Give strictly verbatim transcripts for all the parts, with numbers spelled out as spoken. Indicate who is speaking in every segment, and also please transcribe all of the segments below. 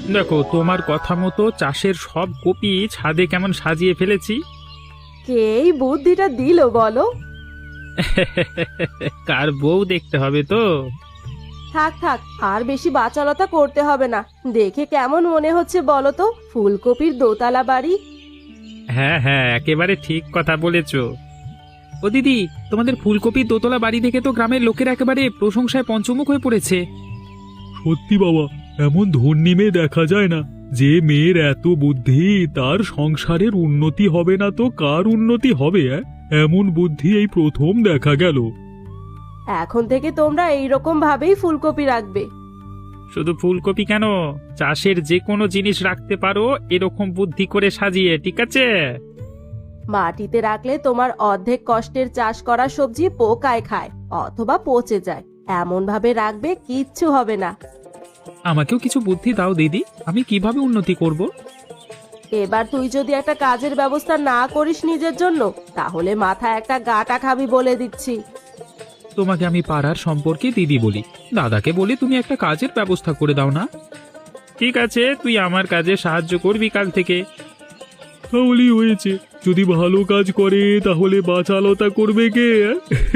Speaker 1: দেখো, তোমার কথা মতো চাষের সব কপি ছাদে কেমন সাজিয়ে ফেলেছি।
Speaker 2: কে এই বুদ্ধিটা দিল বলো?
Speaker 1: কার বউ দেখতে হবে তো।
Speaker 2: থাক থাক, আর বেশি বাচালতা করতে হবে না। দেখে কেমন মনে হচ্ছে বলো তো, ফুলকপির দোতলা বাড়ি।
Speaker 1: হ্যাঁ হ্যাঁ, একেবারে ঠিক কথা বলেছ। ও দিদি, তোমাদের ফুলকপির দোতলা বাড়ি দেখে তো গ্রামের লোকের একেবারে প্রশংসায় পঞ্চমুখ হয়ে পড়েছে।
Speaker 3: সত্যি বাবা, এমন ধনী মেয়ে দেখা যায় না। যে মেয়ের এত বুদ্ধি, তার সংসারের উন্নতি হবে না তো কার উন্নতি হবে? অ্যাঁ? এমন বুদ্ধি এই প্রথম দেখা গেল।
Speaker 2: এখন থেকে তোমরা এইরকম ভাবেই ফুলকপি রাখবে।
Speaker 1: শুধু ফুলকপি কেন, চাষের যে কোনো জিনিস রাখতে পারো এরকম বুদ্ধি করে সাজিয়ে, ঠিক আছে?
Speaker 2: মাটিতে রাখলে তোমার অর্ধেক কষ্টের চাষ করা সবজি পোকায় খায় অথবা পচে যায়। এমন ভাবে রাখবে, কিচ্ছু হবে না।
Speaker 1: আমাকেও কিছু বুদ্ধি দাও দিদি, আমি কিভাবে উন্নতি করব?
Speaker 2: এবার তুই যদি একটা কাজের ব্যবস্থা না করিস নিজের জন্য, তাহলে মাথায় একটা গাঁটা খাবি বলে দিচ্ছি।
Speaker 1: তোমাকে আমি পাড়ার সম্পর্কে দিদি বলি, দাদাকে বলে তুমি একটা কাজের ব্যবস্থা করে দাও না। ঠিক আছে, তুই আমার কাজে সাহায্য করবি কাল থেকে।
Speaker 3: তাহলেই হয়েছে। যদি ভালো কাজ করে তাহলে বাচালতা করবে কে? অ্যাঁ?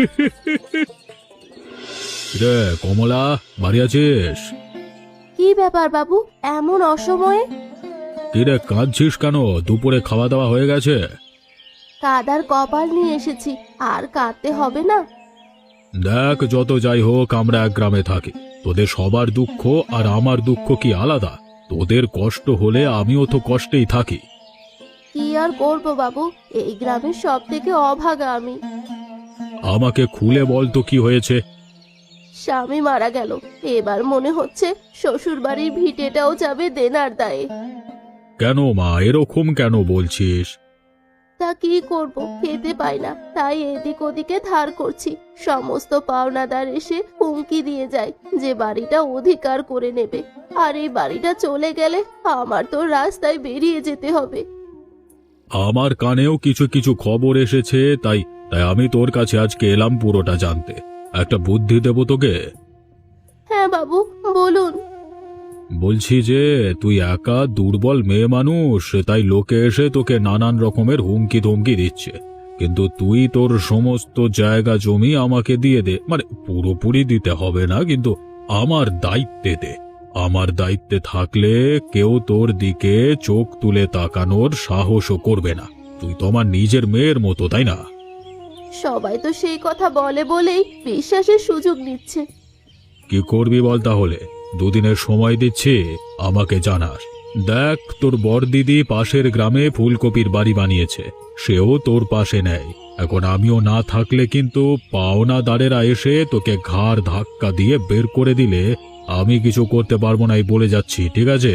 Speaker 3: রে কমলা, বাড়ি আছিস?
Speaker 2: কি ব্যাপার বাবু, এমন অসময়ে?
Speaker 3: কিরে কাঁদছিস কেন? দুপুরে খাওয়া দাওয়া হয়ে গেছে?
Speaker 2: কাদার কপাল নিয়ে এসেছি, আর কাঁদতে হবে না।
Speaker 3: দেখ, যত যাই হোক আমরা এক গ্রামে থাকি। তোদের সবার দুঃখ আর আমার দুঃখ কি আলাদা? তোদের কষ্ট হলে আমিও তো কষ্টেই থাকি।
Speaker 2: কি আর করবো বাবু, এই গ্রামের সব থেকে অভাগা আমি।
Speaker 3: আমাকে খুলে বল তো কি হয়েছে?
Speaker 2: স্বামী মারা গেল, এবার মনে হচ্ছে শ্বশুর বাড়ির ভিটেটাও যাবে দেনার দায়ে।
Speaker 3: কেন মা, এরকম কেন বলছিস?
Speaker 2: তা কি করব, খেতে পাই না, তাই এদিক ওদিকে ধার করছি। সমস্ত পাওনাদার এসে হুমকি দিয়ে যায় যে বাড়িটা অধিকার করে নেবে, আর এই বাড়িটা চলে গেলে আমার তো রাস্তায় বেরিয়ে যেতে হবে।
Speaker 3: আমার কানেও কিছু কিছু খবর এসেছে, তাই তাই আমি তোর কাছে আজকে এলাম পুরোটা জানতে। একটা বুদ্ধি দেব তোকে।
Speaker 2: হ্যাঁ বাবু, বলুন।
Speaker 3: বলছি যে তুই একা দুর্বল মেয়ে মানুষ, তাই লোকে এসে তোকে নানান রকমের হুমকি ধমকি দিচ্ছে। কিন্তু তুই তোর সমস্ত জায়গা জমি আমাকে দিয়ে দে, মানে পুরোপুরি দিতে হবে না, কিন্তু আমার দায়িত্বে দে। আমার দায়িত্বে থাকলে কেউ তোর দিকে চোখ তুলে তাকানোর সাহসও করবে না। তুই তো আমার নিজের মেয়ের মতো, তাই না?
Speaker 2: সবাই তো সেই কথা বলে বলেই বিশ্বাসের সুযোগ নিচ্ছে।
Speaker 3: কি করবি বল তাহলে? দুদিনের সময় দিচ্ছি, আমাকে জানাস। দেখ, তোর বড়দিদি পাশের গ্রামে ফুলকপির বাড়ি বানিয়েছে, সেও তোর পাশে নেয়। এখন আমিও না থাকলে কিন্তু পাওনাদারেরা এসে তোকে ঘাড় ধাক্কা দিয়ে বের করে দিলে আমি কিছু করতে পারবো না, এই বলে যাচ্ছি, ঠিক আছে?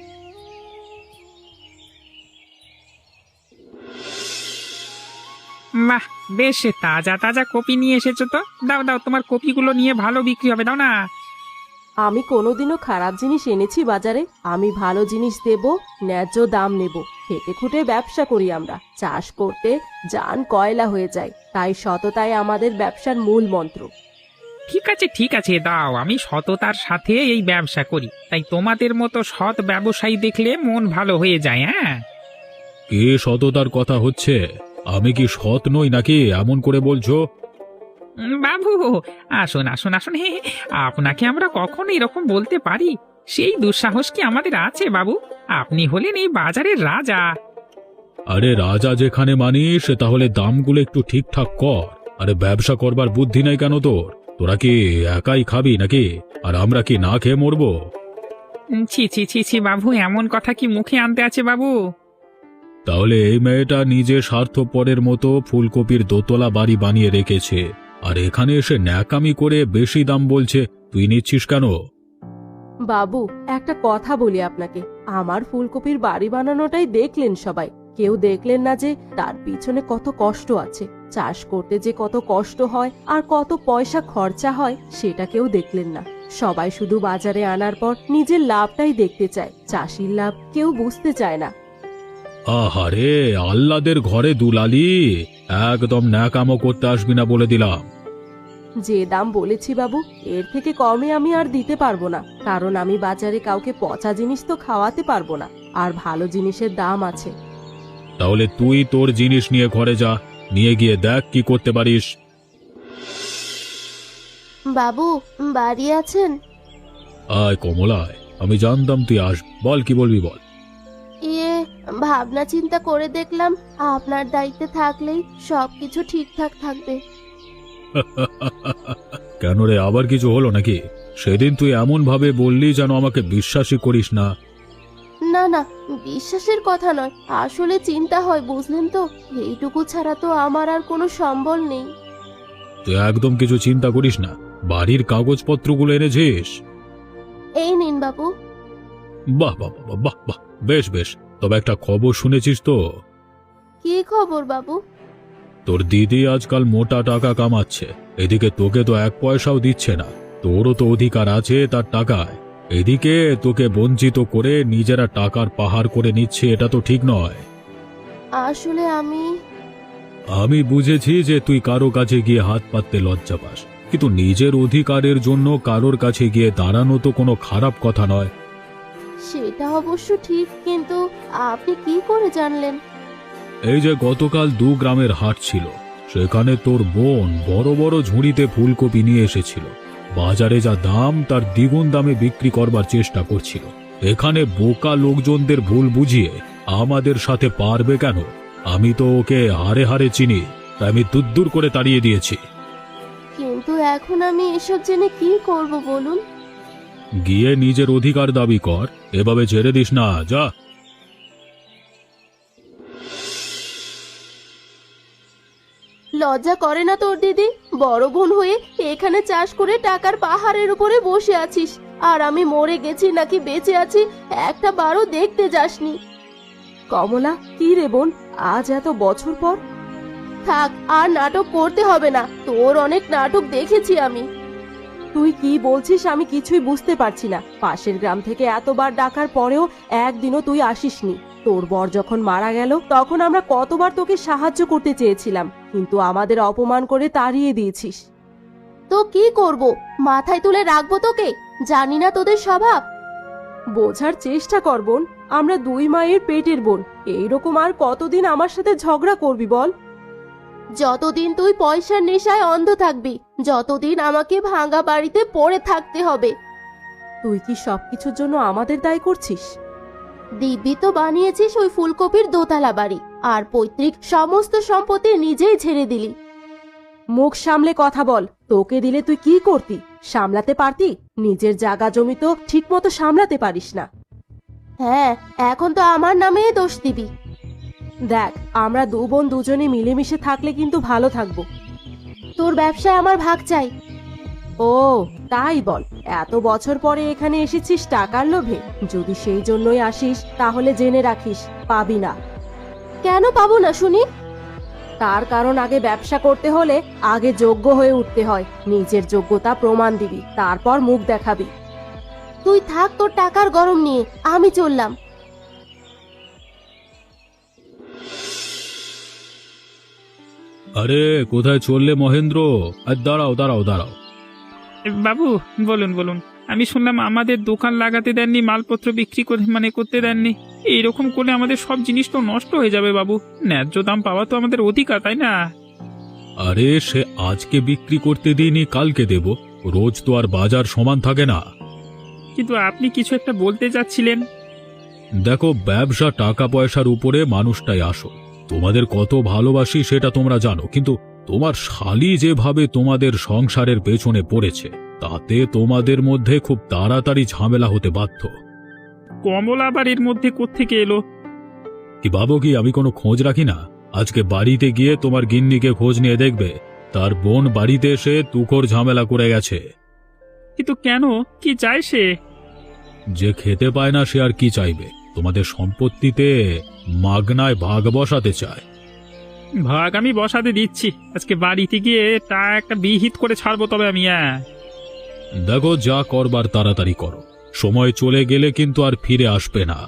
Speaker 1: বাহ, বেশ তাজা তাজা কপি নিয়ে এসেছো তো। দাও দাও, তোমার কপিগুলো নিয়ে ভালো বিক্রি হবে, দাও না।
Speaker 2: আমি কোনোদিনও খারাপ জিনিস এনেছি বাজারে? আমি ভালো জিনিস দেব, ন্যায্য দাম নেব। খেটে খুঁটে ব্যবসা করি আমরা, চাষ করতে জান কয়লা হয়ে যায়, তাই সততাই আমাদের ব্যবসার মূল মন্ত্র।
Speaker 1: ঠিক আছে ঠিক আছে, দাও। আমি সততার সাথে এই ব্যবসা করি, তাই তোমাদের মতো সৎ ব্যবসায়ী দেখলে মন ভালো হয়ে যায়। হ্যাঁ,
Speaker 3: কে সততার কথা হচ্ছে? আমি কি সৎ নই নাকি এমন করে বলছো?
Speaker 1: উম, বাবু, আসুন আসুন আসুন। হে হে, আপনাকে আমরা কখনো এরকম বলতে পারি? সেই দুঃসাহস কি আমাদের আছে বাবু? আপনি হলেন এই বাজারের রাজা।
Speaker 3: আরে রাজা যেখানে মানিস, তাহলে দামগুলো একটু ঠিকঠাক কর। আরে ব্যবসা করবার বুদ্ধি নাই কেন তোর? তোরা কি একাই খাবি নাকি? আর আমরা কি না খেয়ে মরবো?
Speaker 1: উম, ছি ছি ছি ছি বাবু, এমন কথা কি মুখে আনতে আছে বাবু?
Speaker 3: তাহলে এই মেয়েটা নিজে স্বার্থপরের মতো ফুলকপির দোতলা বাড়ি বানিয়ে রেখেছে, আর এখানে এসে ন্যাকামি করে বেশি দাম বলছে। তুই নিচ্ছিস কেন?
Speaker 2: বাবু, একটা কথা বলি আপনাকে, আমার ফুলকপির বাড়ি বানানোটাই দেখলেন সবাই, কেউ দেখলেন না যে তার পিছনে কত কষ্ট আছে। চাষ করতে যে কত কষ্ট হয় আর কত পয়সা খরচা হয় সেটা কেউ দেখলেন না। সবাই শুধু বাজারে আনার পর নিজের লাভটাই দেখতে চায়, চাষির লাভ কেউ বুঝতে চায় না।
Speaker 3: আহারে, আহ্লাদের ঘরে দুলালি, একদম ন্যাকামো করতে আসবি না বলে দিলাম।
Speaker 2: যে দাম বলেছি বাবু, এর থেকে কমে আমি আর দিতে পারবো না, কারণ আমি বাজারে কাউকে পচা জিনিস তো খাওয়াতে পারবো না, আর ভালো জিনিসের দাম আছে।
Speaker 3: তাহলে তুই তোর জিনিস নিয়ে ঘরে যা, নিয়ে গিয়ে দেখ কি করতে পারিস।
Speaker 4: বাবু, বাড়ি আছেন?
Speaker 3: আয় কমলায়, আমি জানতাম তুই আস, বল কি বলবি বল।
Speaker 4: ইয়ে, ভাবনা চিন্তা করে দেখলাম আপনার দায়িত্বে থাকলেই সবকিছু ঠিকঠাক থাকবে।
Speaker 3: কেন রে, আবার কিছু হলো নাকি? সেদিন তুই এমন ভাবে বললি যেন আমাকে বিশ্বাসই করিস না।
Speaker 4: না না, বিশ্বাসের কথা নয়, আসলে চিন্তা হয়, বুঝলেন তো। এইটুকু ছাড়া তো আমার আর কোনো সম্বল নেই।
Speaker 3: তুই একদম কিছু চিন্তা করিস না। বাড়ির কাগজপত্রগুলো এনেছিস?
Speaker 4: এই নিন বাবু।
Speaker 3: বাহ বাহ বাহ বাহ বাহ, বেশ বেশ। তবে একটা খবর শুনেছিস তো?
Speaker 4: কি খবর বাবু?
Speaker 3: তোর দিদি আজকাল মোটা টাকা কামাচ্ছে, এদিকে তোকে তো এক পয়সাও দিচ্ছে না। তোরও তো অধিকার আছে তার টাকায়, এদিকে তোকে বঞ্চিত করে নিজেরা টাকার পাহাড় করে নিচ্ছে, এটা তো ঠিক নয়।
Speaker 4: আসলে আমি
Speaker 3: আমি বুঝেছি যে তুই কারো কাছে গিয়ে হাত পাততে লজ্জা পাস, কিন্তু নিজের অধিকারের জন্য কারোর কাছে গিয়ে দাঁড়ানো তো কোনো খারাপ কথা নয়।
Speaker 4: সেটা অবশ্য ঠিক, কিন্তু আপনি কি করে জানলেন?
Speaker 3: এই যে গতকাল দু গ্রামের হাট ছিল, সেখানে তোর বোন বড় বড় ঝুড়িতে ফুলকপি নিয়ে এসেছিল। বাজারে যা দাম তার দ্বিগুণ দামে বিক্রি করবার চেষ্টা করছিল। এখানে বোকা লোকজনদের ভুল বুঝিয়ে আমাদের সাথে পারবে কেন? আমি তো ওকে হারে হারে চিনি, তাই আমি দুদ্দুর করে তাড়িয়ে দিয়েছি।
Speaker 4: কিন্তু এখন আমি এসব জেনে কি করব বলুন?
Speaker 3: গিয়ে নিজের অধিকার দাবি কর, এভাবে ছেড়ে দিস না, যা।
Speaker 4: লজ্জা করে না তোর দিদি? বড় বোন হয়ে এখানে চাষ করে টাকার পাহাড়ের উপরে বসে আছিস, আর আমি মরে গেছি নাকি বেঁচে আছি একটা বারও দেখতে যাসনি।
Speaker 2: কমলা, কি রে বোন, আজ এত বছর পর?
Speaker 4: থাক, আর নাটক করতে হবে না, তোর অনেক নাটক দেখেছি আমি।
Speaker 2: তুই কি বলছিস আমি কিছুই বুঝতে পারছি না। পাশের গ্রাম থেকে এতবার ডাকার পরেও একদিনও তুই আসিসনি। তোর বর যখন মারা গেল তখন আমরা কতবার তোকে সাহায্য করতে চেয়েছিলাম, কিন্তু আমাদের অপমান করে তাড়িয়ে দিয়েছিস।
Speaker 4: তো কি করব, মাথায় তুলে রাখবো তোকে? জানি না তোদের স্বভাব।
Speaker 2: বোঝার চেষ্টা কর বোন, আমরা দুই মায়ের পেটের বোন। এইরকম আর কতদিন আমার সাথে ঝগড়া করবি বল?
Speaker 4: যতদিন তুই পয়সার নেশায় অন্ধ থাকবি, যতদিন আমাকে ভাঙা বাড়িতে পড়ে থাকতে হবে।
Speaker 2: তুই কি সবকিছুর জন্য আমাদের দায়ী করছিস?
Speaker 4: দিব্যি তো বানিয়েছিস ওই ফুলকপির দোতলা বাড়ি, আর পৈতৃক সমস্ত সম্পত্তি নিজেই ছেড়ে দিলি।
Speaker 2: মুখ সামলে কথা বল। তোকে দিলে তুই কি করতি? সামলাতে পারতি? নিজের জায়গা জমি তো ঠিক মতো সামলাতে পারিস না।
Speaker 4: হ্যাঁ, এখন তো আমার নামে দোষ দিবি।
Speaker 2: দেখ, আমরা দু বোন দুজনে মিলেমিশে থাকলে কিন্তু ভালো থাকবো।
Speaker 4: তোর ব্যবসায় আমার ভাগ চাই।
Speaker 2: ও তাই বল, এত বছর পরে এখানে এসেছিস টাকার লোভে? যদি সেই জন্যই আসিস তাহলে জেনে রাখিস, পাবি না।
Speaker 4: কেন পাবো না শুনি?
Speaker 2: তার কারণ আগে ব্যবসা করতে হলে আগে যোগ্য হয়ে উঠতে হয়। নিজের যোগ্যতা প্রমাণ দিবি, তারপর মুখ দেখাবি।
Speaker 4: তুই থাক তোর টাকার গরম নিয়ে, আমি চললাম।
Speaker 3: আরে কোথায় চললে মহেন্দ্র? আর দাঁড়াও দাঁড়াও দাঁড়াও।
Speaker 1: বাবু বলুন বলুন। আমি শুনলাম আমাদের দোকান লাগাতে দেননি, মালপত্র বিক্রি করে মানে করতে দেননি। এইরকম করলে আমাদের সব জিনিস তো নষ্ট হয়ে যাবে বাবু। ন্যায্য দাম পাওয়া তো আমাদের অধিকার, তাই না?
Speaker 3: আরে সে আজকে বিক্রি করতে দিইনি, কালকে দেব। রোজ তো আর বাজার সমান থাকে না।
Speaker 1: কিন্তু আপনি কিছু একটা বলতে যাচ্ছিলেন।
Speaker 3: দেখো, ব্যবসা টাকা পয়সার উপরে মানুষটাই আসল। তোমাদের কত ভালোবাসি সেটা তোমরা জানো, কিন্তু তোমার শালি যেভাবে তোমাদের সংসারের পেছনে পড়েছে, তাতে তোমাদের মধ্যে খুব তাড়াতাড়ি ঝামেলা হতে বাধ্য।
Speaker 1: কমল আবার এর মধ্যে কোত্থেকে এলো?
Speaker 3: কি ভাবো কি আমি কোনো খোঁজ রাখি না? আজকে বাড়িতে গিয়ে তোমার গিন্নিকে খোঁজ নিয়ে দেখবে, তার বোন বাড়িতে এসে তুখোর ঝামেলা করে গেছে।
Speaker 1: কিন্তু কেন, কি চায় সে?
Speaker 3: যে খেতে পায় না সে আর কি চাইবে? তোমাদের সম্পত্তিতে মাগনায় ভাগ বসাতে চায়।
Speaker 1: ভাগ আমি বসাতে দিচ্ছি, আজকে বাড়িতে গিয়ে তা একটা বিহিত করে ছাড়বো তবে আমি। হ্যাঁ
Speaker 3: দেখো, যা করবার তাড়াতাড়ি করো, সময় চলে গেলে কিন্তু আর ফিরে আসবে না।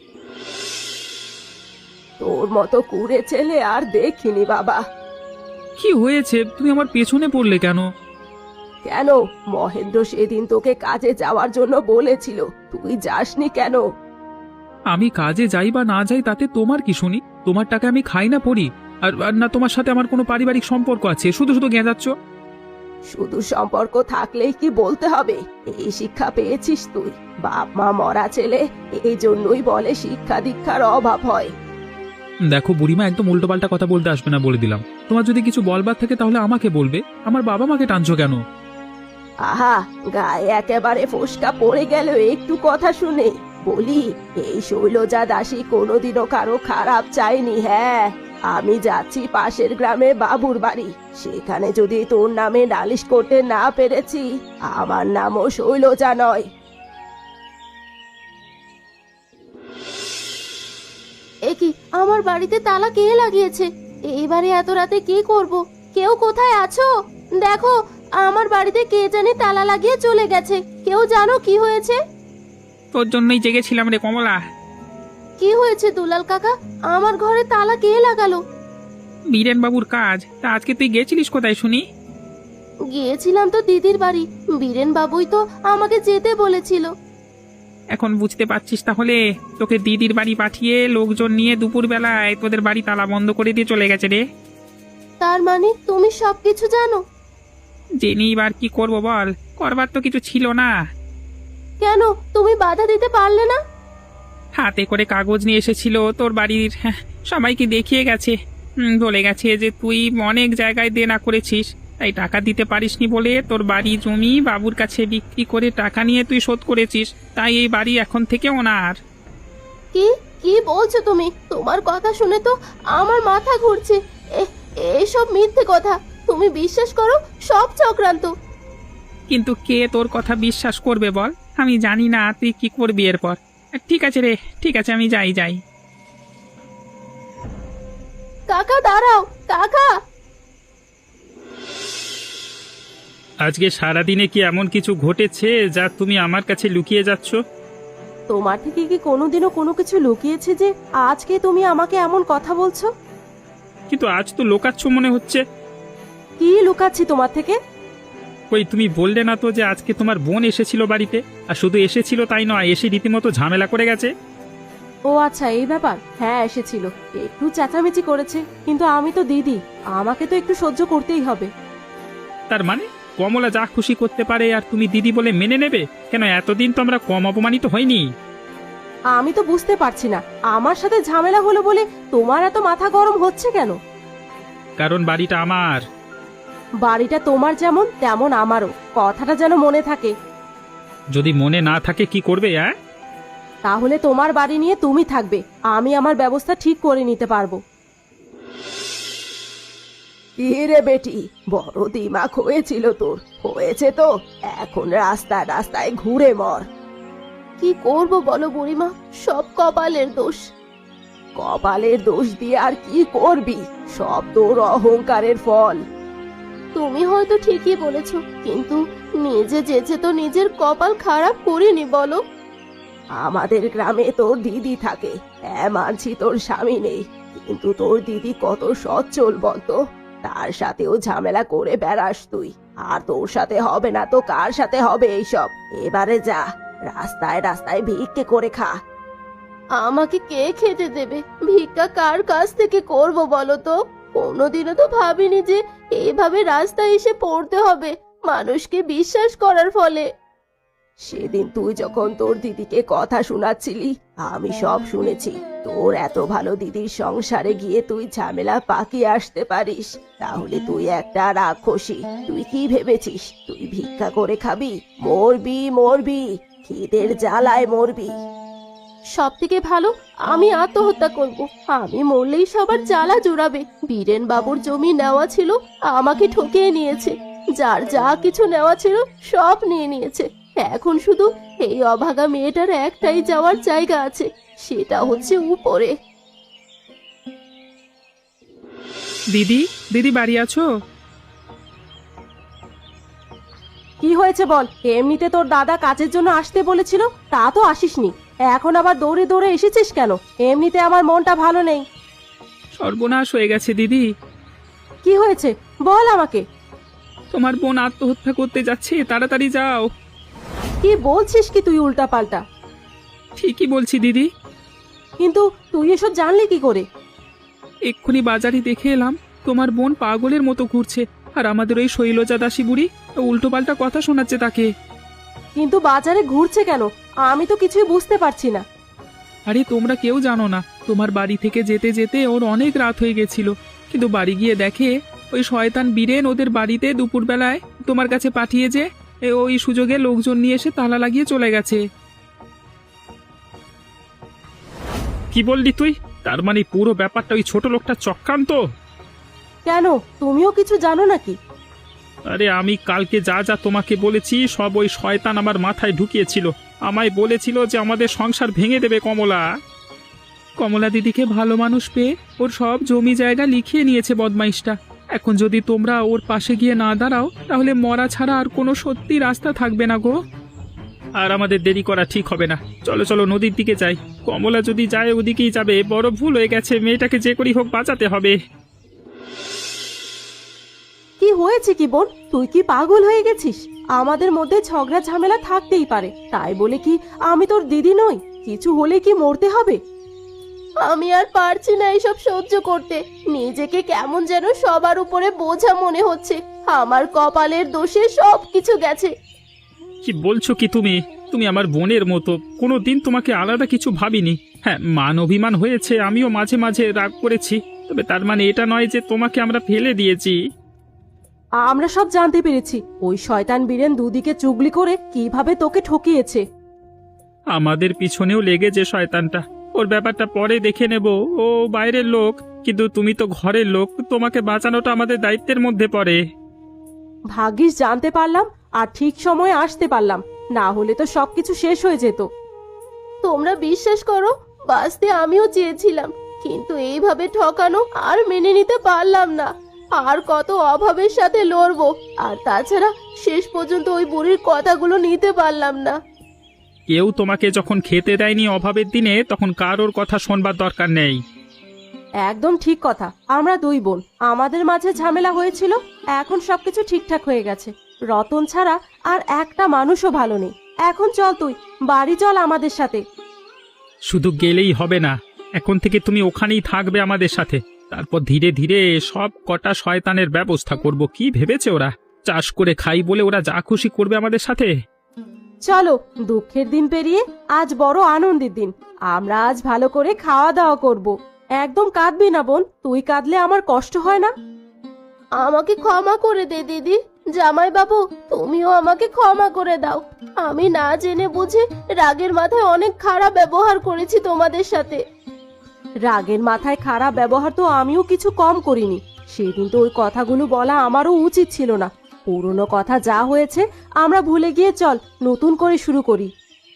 Speaker 2: তোর মতো কুড়ে ছেলে আর দেখিনি বাবা।
Speaker 1: কি হয়েছে? তুমি আমার পেছনে পড়লে কেন?
Speaker 2: কেন? মহেন্দ্র সেদিন তোকে কাজে যাওয়ার জন্য বলেছিল, তুই যাসনি কেন?
Speaker 1: আমি কাজে যাই বা না যাই তাতে তোমার কি শুনি? তোমার টাকা আমি খাই না পড়ি? আর আর না তোমার সাথে আমার কোনো পারিবারিক সম্পর্ক আছে? শুধু শুধু গেঁজাচ্ছ।
Speaker 2: শুধু সম্পর্ক থাকলেই কি বলতে হবে? এই শিক্ষা পেয়েছিস তুই? বাপ মা মরা ছেলে, এই জন্যই বলে শিক্ষা দীক্ষার অভাব হয়।
Speaker 1: দেখো বুড়িমা, একদম উল্টোপাল্টা কথা বলতে আসবে না বলে দিলাম। তোমার যদি কিছু বলবার থাকে তাহলে আমাকে বলবে। আমার বাবা মাকে টানছো কেন?
Speaker 2: আহা, গায়ে একেবারে ফোসকা পড়ে গেল একটু কথা শুনে। বলি, এই শৈলজা দাসী কোনোদিনও কারো খারাপ চাইনি। হ্যাঁ, আমি যাচ্ছি পাশের গ্রামে বাবুর বাড়ি, সেখানে যদি তোর নামে নালিশ করতে না পেরেছি, আমার নামও শৈলজা নয়।
Speaker 4: এ কি, আমার বাড়িতে তালা কে লাগিয়েছে? এইবারে এত রাতে কি করব? কেউ কোথায় আছো? দেখো, আমার বাড়িতে কে জানি তালা লাগিয়ে চলে গেছে। কেউ জানো কি হয়েছে?
Speaker 1: তোর জন্যই জেগেছিলাম রে কমলা।
Speaker 4: কি হয়েছে দুলাল কাকা? আমার ঘরে তালা কে লাগালো?
Speaker 1: বীরেন বাবুর কাজ। তা আজকে তুই গেছিলিস কোথায় শুনি?
Speaker 4: গিয়েছিলাম তো দিদির বাড়ি। বীরেন বাবুই তো আমাকে যেতে বলেছিল।
Speaker 1: এখন বুঝতে পারছিস তাহলে? তোকে দিদির বাড়ি পাঠিয়ে লোকজন নিয়ে দুপুর বেলায় তোদের বাড়ি তালা বন্ধ করে দিয়ে চলে গেছে রে।
Speaker 4: তার মানে তুমি সবকিছু জানো?
Speaker 1: জেনে এবার কি করবো বল? করবার তো কিছু ছিল না।
Speaker 4: কেন তুমি বাধা দিতে পারলে না?
Speaker 1: হাতে করে কাগজ নিয়ে এসেছিল তোর বাড়ির, হ্যাঁ, সবাইকে দেখিয়ে গেছে। হুম, বলে গেছে যে তুই অনেক জায়গায় দেনা করেছিস, তাই টাকা দিতে পারিসনি বলে তোর বাড়ি জমি বাবুর কাছে বিক্রি করে টাকা নিয়ে তুই শোধ করেছিস। তাই এই বাড়ি এখন থেকে ওনার।
Speaker 4: কি কি বলছো তুমি? তোমার কথা শুনে তো আমার মাথা ঘুরছে। এ- এসব মিথ্যে কথা। তুমি বিশ্বাস করো, সব চক্রান্ত।
Speaker 1: কিন্তু কে তোর কথা বিশ্বাস করবে বল? আমি জানি না তুই কি করবি এরপর। ঠিক আছে রে, ঠিক আছে, আমি যাই যাই।
Speaker 4: কাকা দাঁড়াও, কাকা।
Speaker 1: আজকে সারাদিনে কি এমন কিছু ঘটেছে যা তুমি আমার কাছে লুকিয়ে যাচ্ছ?
Speaker 2: তোমার থেকে কি কোনোদিনও কোনো কিছু লুকিয়েছে যে আজকে তুমি আমাকে এমন কথা বলছো?
Speaker 1: কিন্তু আজ তো লোকাচ্ছ মনে হচ্ছে।
Speaker 2: কি লুকাচ্ছি তোমার থেকে?
Speaker 1: ওই তুমি বললে না তো যে আজকে তোমার বোন এসেছিল বাড়িতে? আর শুধু এসেছিল তাই নয়, এসে রীতিমতো ঝামেলা করে গেছে।
Speaker 2: ও আচ্ছা, এই ব্যাপার। হ্যাঁ, এসেছিল, একটু চেঁচামেচি করেছে, কিন্তু আমি তো দিদি, আমাকে তো একটু সহ্য করতেই হবে।
Speaker 1: তার মানে কমলা যা খুশি করতে পারে আর তুমি দিদি বলে মেনে নেবে? কেন, এতদিন তো আমরা কম অপমানিত হইনি।
Speaker 2: আমি তো বুঝতে পারছি না, আমার সাথে ঝামেলা হলো বলে তোমার এত মাথা গরম হচ্ছে কেন?
Speaker 1: কারণ বাড়িটা আমার।
Speaker 2: বাড়িটা তোমার যেমন তেমন আমারও, কথাটা যেন মনে থাকে।
Speaker 1: যদি মনে না থাকে কি করবে? হ্যাঁ,
Speaker 2: তাহলে তোমার বাড়ি নিয়ে তুমি থাকবে, আমি আমার ব্যবস্থা ঠিক করে নিতে পারবো। কি রে বেটি, বড় দিমাগ হয়েছিল তোর, হয়েছে তো। এখন রাস্তায় রাস্তায় ঘুরে মর।
Speaker 4: কি করব বলো বুড়িমা, সব কপালের দোষ।
Speaker 2: কপালের দোষ দিয়ে আর কি করবি? সব তোর অহংকারের ফল।
Speaker 4: তুমি হয়তো ঠিকই বলেছ, কিন্তু নিজে যেচে তো নিজের কপাল খারাপ করিনি বলো।
Speaker 2: আমাদের গ্রামে তোর দিদি থাকে, হ্যাঁ মানছি তোর স্বামী নেই, কিন্তু তোর দিদি কত সচ্ছল বলতো। তার সাথেও ঝামেলা করে বেড়াস তুই, আর তোর সাথে হবে না তো কার সাথে হবে এইসব? এবারে যা, রাস্তায় রাস্তায় ভিক্ষে করে খা।
Speaker 4: আমাকে কে খেতে দেবে? ভিক্ষা কার কাছ থেকে করব বলো তো? কোনোদিনও তো ভাবিনি যে এইভাবে রাস্তায় এসে পড়তে হবে মানুষকে বিশ্বাস করার ফলে।
Speaker 2: সেদিন তুই যখন তোর দিদিকে কথা শোনাচ্ছিলি, আমি সব শুনেছি। তোর এত ভালো দিদির সংসারে গিয়ে তুই ঝামেলা পাকিয়ে আসতে পারিস, তাহলে তুই একটা রাক্ষসী। তুই কি ভেবেছিস তুই ভিক্ষা করে খাবি? মরবি মরবি, খিদের জ্বালায় মরবি।
Speaker 4: সব থেকে ভালো আমি আত্মহত্যা করব। আমি মরলেই সবার জ্বালা জুড়াবে। বীরেন বাবুর জমি নেওয়া ছিল, আমাকে ঠকিয়ে নিয়েছে। যার যা কিছু নেওয়া ছিল সব নিয়ে নিয়েছে। এখন শুধু এই অভাগা মেয়েটার একটাই যাওয়ার জায়গা আছে, সেটা হচ্ছে উপরে।
Speaker 1: দিদি, দিদি বাড়ি আছো?
Speaker 2: কি হয়েছে বল? এমনিতে তোর দাদা কাজের জন্য আসতে বলেছিল, তা তো আসিসনি, এখন আবার দৌড়ে দৌড়ে এসেছিস কেন? এমনিতে আমার মনটা ভালো নেই।
Speaker 1: সর্বনাশ হয়ে গেছে দিদি।
Speaker 2: কি হয়েছে? বল আমাকে।
Speaker 1: তোমার বোন আত্মহত্যা করতে যাচ্ছে, তাড়াতাড়ি যাও।
Speaker 2: কি বলছিস কি তুই উল্টা পাল্টা?
Speaker 1: ঠিকই বলছি দিদি।
Speaker 2: কিন্তু তুই এসব জানলি কি করে?
Speaker 1: এক্ষুনি বাজারে দেখে এলাম তোমার বোন পাগলের মতো ঘুরছে, আর আমাদের ওই শৈলজা দাসী বুড়ি উল্টো পাল্টা কথা শোনাচ্ছে তাকে।
Speaker 2: কিন্তু বাজারে ঘুরছে কেন? আমি তো কিছুই বুঝতে পারছি না।
Speaker 1: আরে তোমরা কেউ জানো না, তোমার বাড়ি থেকে যেতে যেতে ওর অনেক রাত হয়ে গেছিল, কিন্তু বাড়ি গিয়ে দেখে ওই শয়তান বীরেন ওদের বাড়িতে দুপুরবেলায় তোমার কাছে পাঠিয়ে যে এ ওই সুযোগে লোকজন নিয়ে এসে তালা লাগিয়ে চলে গেছে। কি বললি তুই? তার মানে পুরো ব্যাপারটা ওই ছোট লোকটা চক্রান্ত?
Speaker 2: কেন, তুমিও কিছু জানো নাকি?
Speaker 1: আরে আমি কালকে যা যা তোমাকে বলেছি সব ওই শয়তান আমার মাথায় ঢুকিয়েছিল। আমায় বলেছিল যে আমাদের সংসার ভেঙে দেবে কমলা। কমলা দিদিকে ভালো মানুষ পেয়ে ওর সব জমি জায়গা লিখিয়ে নিয়েছে বদমাইশটা। এখন যদি তোমরা ওর পাশে গিয়ে না দাঁড়াও তাহলে মরা ছাড়া আর কোনো সত্যি রাস্তা থাকবে না গো। আর আমাদের দেরি করা ঠিক হবে না, চলো চলো নদীর দিকে যাই। কমলা যদি যায় ওদিকেই যাবে, বড় ভুল হয়ে গেছে, মেয়েটাকে যে করেই হোক বাঁচাতে হবে।
Speaker 2: কি হয়েছে কি বোন, তুই কি পাগল হয়ে গেছিস? আমাদের মধ্যে ঝগড়া ঝামেলা থাকতেই পারে, তাই বলে কি আমি তোর দিদি নই? কিছু হলে কি মরতে হবে?
Speaker 4: আমি আর পারছি না এসব সহ্য করতে। নিজেকে কেমন যেন সবার উপরে বোঝা মনে হচ্ছে। আমার কপালের দোষে সব কিছু গেছে।
Speaker 1: কি বলছো কি তুমি? তুমি আমার বোনের মতো, কোনো দিন তোমাকে আলাদা কিছু ভাবিনি। হ্যাঁ, মান অভিমান হয়েছে, আমিও মাঝে মাঝে রাগ করেছি, তবে তার মানে এটা নয় যে তোমাকে আমরা ফেলে দিয়েছি।
Speaker 2: আমরা সব জানতে পেরেছি, ওই শয়তান বীরেন দুদিকে চুগলি করে কিভাবে তোকে ঠকিয়েছে।
Speaker 1: আমাদের পিছনেও লেগে যে শয়তানটা, ওর ব্যাপারটা পরে দেখে নেব, ও বাইরের লোক, কিন্তু তুমি তো ঘরের লোক, তোমাকে বাঁচানোটা আমাদের দায়িত্বের মধ্যে পড়ে।
Speaker 2: ভাগ্যিস জানতে পারলাম আর ঠিক সময়ে আসতে পারলাম, না হলে তো সবকিছু শেষ হয়ে যেত।
Speaker 4: তোমরা বিশ্বাস করো, বাঁচতে আমিও চেয়েছিলাম, কিন্তু এইভাবে ঠকানো আর মেনে নিতে পারলাম না। আর কত অভাবের সাথে লড়বো, আর তাছাড়া শেষ পর্যন্ত ওই বুড়ির কথাগুলো নিতে পারলাম না।
Speaker 1: কেউ তোমাকে যখন খেতে দেয়নি অভাবের দিনে, তখন কারোর কথা শোনবার দরকার নেই।
Speaker 2: একদম ঠিক কথা। আমরা দুই বোন, আমাদের মাঝে ঝামেলা হয়েছিল, এখন সবকিছু ঠিকঠাক হয়ে গেছে। রতন ছাড়া আর একটা মানুষও ভালো নেই। এখন চল তুই বাড়ি চল আমাদের সাথে।
Speaker 1: শুধু গেলেই হবে না, এখন থেকে তুমি ওখানেই থাকবে আমাদের সাথে। তারপর ধীরে ধীরে সব কটা শয়তানের ব্যবস্থা করব। কি ভেবেছে ওরা? চাষ করে খাই বলে ওরা যা খুশি করবে আমাদের সাথে?
Speaker 2: চলো, দুঃখের দিন পেরিয়ে আজ বড় আনন্দের দিন। আমরা আজ ভালো করে খাওয়া দাওয়া করব। একদম কাঁদবি না বোন, তুই কাঁদলে আমার কষ্ট হয় না।
Speaker 4: আমাকে ক্ষমা করে দে দিদি। জামাই বাবু, তুমিও আমাকে ক্ষমা করে দাও। আমি না জেনে বুঝে রাগের মাথায় অনেক খারাপ ব্যবহার করেছি তোমাদের সাথে।
Speaker 2: রাগের মাথায় খারাপ ব্যবহার তো আমিও কিছু কম করিনি। সেদিন তো ওই কথাগুলো বলা আমারও উচিত ছিল না। পুরনো কথা যা হয়েছে আমরা ভুলে গিয়ে চল নতুন করে শুরু করি।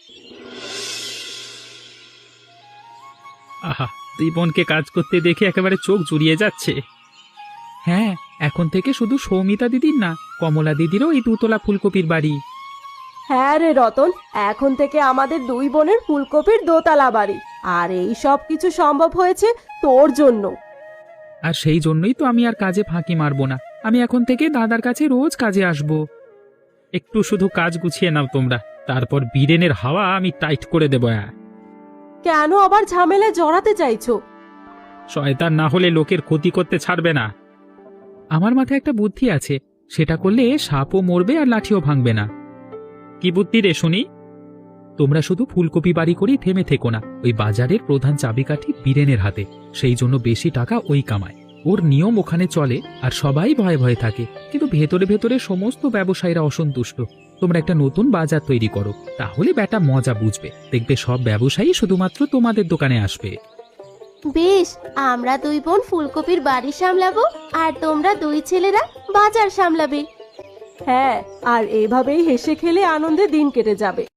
Speaker 1: আহা, দুই বোনকে কাজ করতে দেখে একেবারে চোখ জুড়িয়ে যাচ্ছে। হ্যাঁ, এখন থেকে শুধু সৌমিতা দিদির না, কমলা দিদিরও এই দুতলা ফুলকপির বাড়ি।
Speaker 2: হ্যাঁ রে রতন, এখন থেকে আমাদের দুই বোনের ফুলকপির দোতলা বাড়ি। আর এই সব কিছু সম্ভব হয়েছে তোর জন্য।
Speaker 1: আর সেই জন্যই তো আমি আর কাজে ফাঁকি মারবো না। আমি এখন থেকে দাদার কাছে রোজ কাজে আসব। একটু শুধু কাজ গুছিয়ে নাও তোমরা, তারপর বীরেনের হাওয়া আমি টাইট করে দেবো।
Speaker 2: কেন আবার ঝামেলায় জড়াতে চাইছো?
Speaker 1: শয়তান না হলে লোকের ক্ষতি করতে ছাড়বে না। আমার মাথায় একটা বুদ্ধি আছে, সেটা করলে সাপও মরবে আর লাঠিও ভাঙবে না। কি বুদ্ধি রে শুনি? তোমরা শুধু ফুলকপি বাড়ি করেই থেমে থেকো না। ওই বাজারের প্রধান চাবিকাঠি বীরেনের হাতে, সেই জন্য বেশি টাকা ওই কামায়। ওর নিয়ম ওখানে চলে আর সবাই ভয়ে ভয়ে থাকে, কিন্তু ভেতরে ভেতরে সমস্ত ব্যবসায়ীরা অসন্তুষ্ট। তোমরা একটা নতুন বাজার তৈরি করো, তাহলে বেটা মজা বুঝবে। দেখবে সব ব্যবসায়ী শুধুমাত্র তোমাদের দোকানে আসবে।
Speaker 4: বেশ, আমরা দুই বোন ফুলকপির বাড়ি সামলাবো, আর তোমরা দুই ছেলেরা বাজার সামলাবে।
Speaker 2: হ্যাঁ, আর এভাবেই হেসে খেলে আনন্দে দিন কেটে যাবে।